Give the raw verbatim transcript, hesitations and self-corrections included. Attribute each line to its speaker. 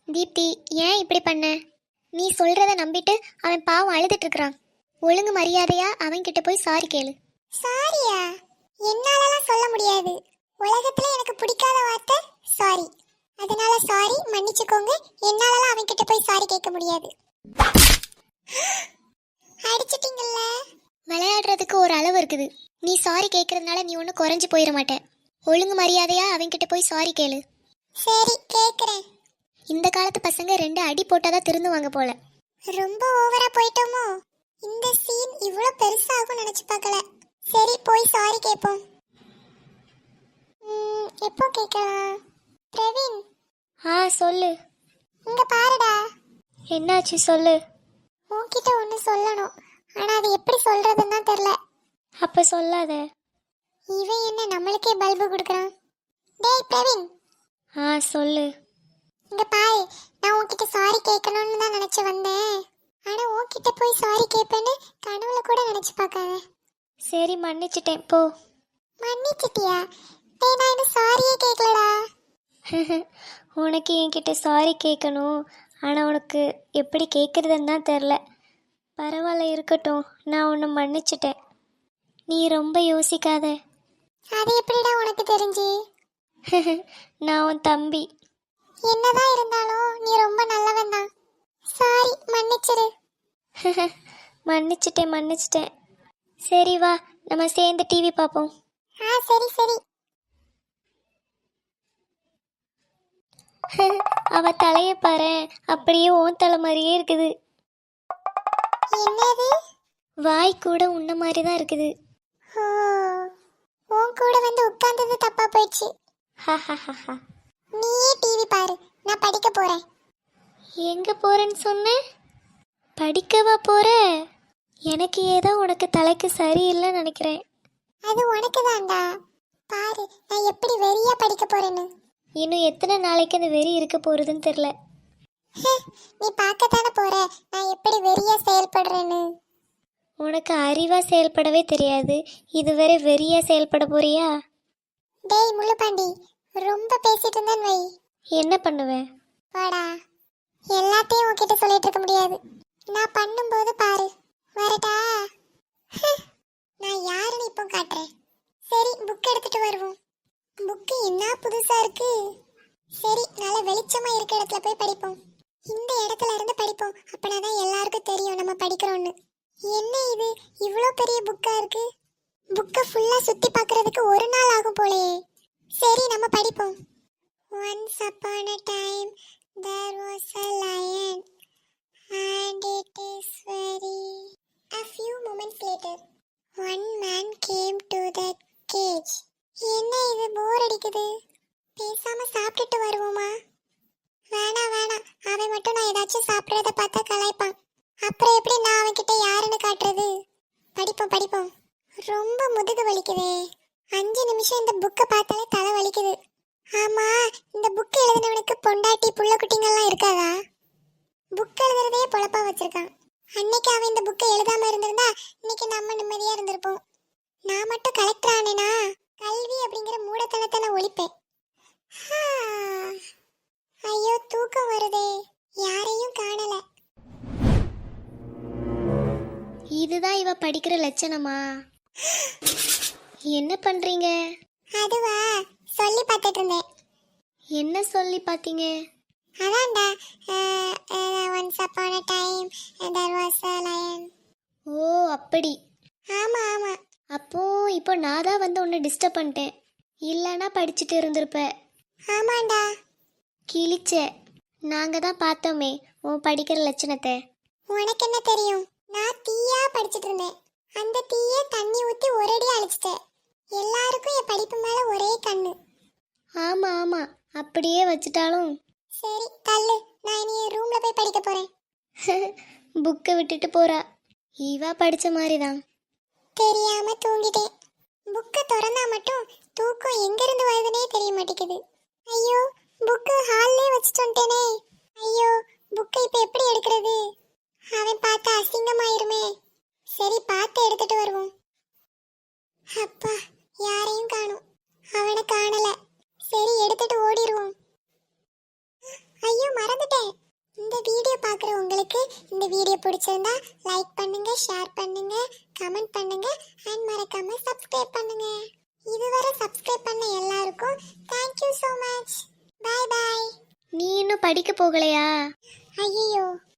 Speaker 1: தீப்தி, ஏன் இப்படி பண்ண? நீ சொல்றத நம்பிட்டு அவன் பாவம் அழுதுட்டு இருக்கிறான். ஒழுங்கு மரியாதையா அவன் கிட்ட போய் சாரி கேளு.
Speaker 2: சாரியா? என்னாலலாம் சொல்ல முடியாது. உலகத்துல எனக்கு பிடிக்காத வார்த்தை சாரி. அதனால சாரி, மன்னிச்சுக்கோங்க. என்னாலலாம் அவன் கிட்ட போய் சாரி கேட்க முடியாது. அடிச்சிட்டீங்கல்ல.
Speaker 1: விளையாடுறதுக்கு ஒரு அளவு இருக்குது. நீ சாரி கேட்கறதுனால நீ ஒன்றும் குறைஞ்சு போயிட மாட்டேன். ஒழுங்கு மரியாதையா அவன் கிட்ட போய் சாரி கேளு.
Speaker 2: சரி, கேக்குறேன்.
Speaker 1: இந்த காலத்து பசங்க ரெண்டு அடி போட்டாதான் திருந்துவாங்க போல.
Speaker 2: ரொம்ப ஓவரா போயிட்டோமோ? இந்த சீன் இவ்வளோ பெருசாகும் நினைச்சு பார்க்கல. சரி, போய் சாரி கேட்போம். ம், எப்போ கேட்கலாம்? பிரவீன்,
Speaker 1: ஆ சொல்லு.
Speaker 2: இங்க பாருடா.
Speaker 1: என்னாச்சு சொல்லு.
Speaker 2: உன்கிட்ட ஒன்று சொல்லணும். ஆனா அது எப்படி சொல்றதுன்னு தான் தெரியல.
Speaker 1: அப்ப சொல்லாத.
Speaker 2: இவன் என்ன நம்மளுக்கே பல்பு கொடுக்குறான்? டேய் பிரவீன்,
Speaker 1: ஆ சொல்லு.
Speaker 2: இங்க பாரு. நான் உன்கிட்ட சாரி கேட்கணும்னு தான் நினைச்சு வந்தேன். ஆனா உன்கிட்ட போய் சாரி கேட்பேன்னு கனவுல கூட நினைச்சு பார்க்காத.
Speaker 1: சரி, மன்னிச்சிட்டேன் போ.
Speaker 2: மன்னிச்சிட்டியா? டேய், நான் இன்னும் சாரியே கேட்கலடா.
Speaker 1: உனக்கு என்கிட்ட சாரி கேட்கணும், ஆனால் உனக்கு எப்படி கேட்குறதுன்னு தான் தெரில. பரவாயில்ல, இருக்கட்டும். நான் உன்னை மன்னிச்சிட்டேன். நீ ரொம்ப யோசிக்காத.
Speaker 2: அது எப்படிடா உனக்கு தெரிஞ்சு?
Speaker 1: நான் உன் தம்பி.
Speaker 2: என்னதான் இருந்தாலும் நீ ரொம்ப நல்லவன் தான். சாரி, மன்னிச்சிரு.
Speaker 1: மன்னிச்சிட்டேன் மன்னிச்சிட்டேன். சரி வா, நம்ம சேர்ந்து டிவி பார்ப்போம்.
Speaker 2: ஆ சரி சரி.
Speaker 1: அவ தலையை பாரு, அப்படியே ஓன் தலை மாதிரியே இருக்குது.
Speaker 2: என்னது?
Speaker 1: வாய் கூட உன்ன மாதிரி தான் இருக்குது.
Speaker 2: ஓ, உன் கூட வந்து உட்கார்ந்தது தப்பா போயிடுச்சு. நீயே டிவி பாரு, நான் படிக்க போறேன்.
Speaker 1: எங்க போறேன்னு சொன்ன? படிக்கவா போற? எனக்கு ஏதோ உனக்கு தலைக்கு சரியில்லைன்னு நினைக்கிறேன்.
Speaker 2: அது உனக்கு தான்டா. பாரு, நான் எப்படி வெறியா படிக்க போறேன்னு.
Speaker 1: இன்னும் எத்தனை நாளைக்கு அந்த வெறி இருக்க போறதுன்னு தெரியல.
Speaker 2: நீ பார்க்கத்தானே போற நான் எப்படி வெறியா செயல்படுறேன்னு.
Speaker 1: உனக்கு அறிவா செயல்படவே தெரியாது, இதுவரை வெறியா செயல்பட போறியா?
Speaker 2: டேய் முள்ளுப்பாண்டி, ரொம்ப பேசிட்டு இருந்தேன் வை.
Speaker 1: என்ன பண்ணுவேன்?
Speaker 2: வாடா. எல்லாத்தையும் உன்கிட்ட சொல்லிட்டு இருக்க முடியாது. நான் பண்ணும்போது பாரு. வரட்டா? நான் யாருன்னு இப்போ காட்டுறேன். சரி, புக் எடுத்துட்டு வருவோம். புக்கு என்ன புதுசா இருக்கு. சரி, நல்ல வெளிச்சமா இருக்க இடத்துல போய் படிப்போம். இந்த இடத்துல இருந்து படிப்போம். அப்பனாதான் எல்லாருக்கும் தெரியும் நம்ம படிக்கிறோம்னு. என்ன இது இவ்வளோ பெரிய புக்கா இருக்கு? புக்கை ஃபுல்லா சுத்தி பார்க்கிறதுக்கு ஒரு நாள் ஆகும் போலயே. சரி, நம்ம படிப்போம். Once upon a time there was a lion and it is very. A few moments later one man came to the cage. என்ன இது போர் அடிக்குது. பேசாம சாப்பிட்டுட்டு வருவோமா? வேணாம் வேணாம், அவன் மட்டும் நான் ஏதாச்சும் சாப்பிட்றத பார்த்தா கலாய்ப்பான். அப்புறம் எப்படி நான் அவன்கிட்ட யாருன்னு காட்டுறது? படிப்போம் படிப்போம். ரொம்ப முதுகு வலிக்குதே. அஞ்சு நிமிஷம் இந்த புக்கை பார்த்தாலே தலை வலிக்குது. ஆமா, இந்த புக் எழுதினவனுக்கு பொண்டாட்டி புள்ள குட்டிங்கெல்லாம் இருக்காதா? புக் எழுதுறதே பொழப்பா வச்சிருக்கான். அன்னைக்கு அவன் இந்த புக்கை எழுதாம இருந்திருந்தா இன்னைக்கு நம்ம நிம்மதியா இருந்திருப்போம். நான் மட்டும் கலெக்டர் ஆனேனா கல்வி அப்படிங்கிற மூடத்தனத்தை நான் ஒழிப்பேன். ஐயோ, தூக்கம் வருதே. யாரையும் காணல.
Speaker 1: இதுதான் இவ படிக்கிற லட்சணமா? என்ன பண்றீங்க?
Speaker 2: அதுவா, சொல்லி பார்த்துட்டு இருந்தேன்.
Speaker 1: என்ன சொல்லி பார்த்தீங்க?
Speaker 2: அதான்டா, once upon a time there was a lion.
Speaker 1: ஓ அப்படி.
Speaker 2: ஆமா ஆமா.
Speaker 1: அப்போ இப்போ நான் தான் வந்து உன்னை டிஸ்டர்ப் பண்ணிட்டேன். இல்லைன்னா படிச்சுட்டு இருந்திருப்ப.
Speaker 2: ஆமாண்டா.
Speaker 1: கிழிச்ச. நாங்க தான் பார்த்தோமே உன் படிக்கிற லட்சணத்தை.
Speaker 2: உனக்கு என்ன தெரியும்? நான் தீயா படிச்சுட்டு இருந்தேன். அந்த தீயை தண்ணி ஊற்றி ஒரேடி அழிச்சிட்டேன். எல்லாருக்கும் என் படிப்பு மேல ஒரே கண்ணு.
Speaker 1: ஆமா ஆமா, அப்படியே வச்சுட்டாலும்.
Speaker 2: சரி தள்ளு, நான் இனி ரூம்ல போய் படிக்க போறேன்.
Speaker 1: புக்கை விட்டுட்டு போறா. இவா படிச்ச மாதிரி தான்.
Speaker 2: தெரியாம தூங்கிட்டேன். புக்கை திறந்தா மட்டும் தூக்கம் எங்க இருந்து வருதுன்னே தெரிய மாட்டேங்குது. ஐயோ, புக்கு ஹால்லே வச்சுட்டு வந்துட்டேனே. ஐயோ, புக்கை இப்ப எப்படி எடுக்கிறது? அவன் பார்த்தா அசிங்கமாயிருமே. சரி, பார்த்து எடுத்துட்டு வருவோம். அப்பா, யாரையும் காணோம். அவனை காணல. சரி, எடுத்துட்டு ஓடிடுவோம். ஐயோ, மறந்துட்டேன். இந்த வீடியோ பிடிச்சிருந்தா லைக் பண்ணுங்க, ஷேர் பண்ணுங்க, கமெண்ட் பண்ணுங்க அண்ட் மறக்காம சப்ஸ்கிரைப் பண்ணுங்க. இதுவரை சப்ஸ்கிரைப் பண்ண எல்லாருக்கும் thank you so much. Bye bye.
Speaker 1: நீ இன்னும் படிக்க போகலையா?
Speaker 2: ஐயோ